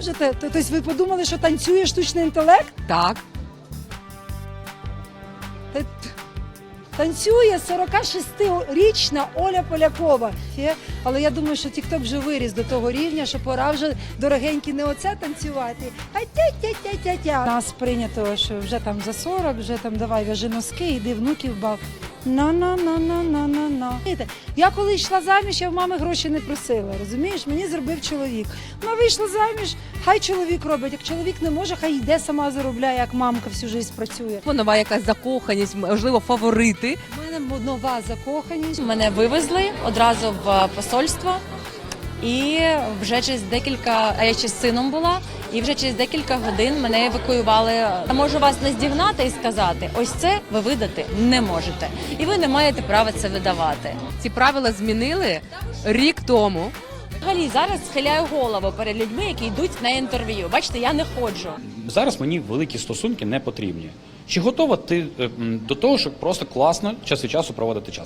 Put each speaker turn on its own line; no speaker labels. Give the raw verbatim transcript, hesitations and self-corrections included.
можете? Тобто ви подумали, що танцює штучний інтелект?
Так.
Та- Танцює сорокашестирічна Оля Полякова. Є, але я думаю, що TikTok вже виріс до того рівня, що пора вже, дорогенькі, не оце танцювати, а тя-тя-тя-тя-тя. Нас прийнято, що вже там за сорок, вже там давай в'яжи носки, іди внуків бав. На-на-на-на-на-на-на. Я коли йшла заміж, я в мами гроші не просила, розумієш? Мені зробив чоловік. Вона вийшла заміж, хай чоловік робить. Як чоловік не може, хай йде сама заробляє, як мамка всю життя працює.
Нова якась закоханість, можливо, фаворити.
У мене нова закоханість.
Мене вивезли одразу в посольство, і вже через декілька, а я ще з сином була, і вже через декілька годин мене евакуювали. Я можу вас наздігнати і сказати, ось це ви видати не можете, і ви не маєте права це видавати.
Ці правила змінили рік тому.
Взагалі зараз схиляю голову перед людьми, які йдуть на інтерв'ю. Бачите, я не ходжу.
Зараз мені великі стосунки не потрібні. Чи готова ти е, м, до того, щоб просто класно час від часу проводити час?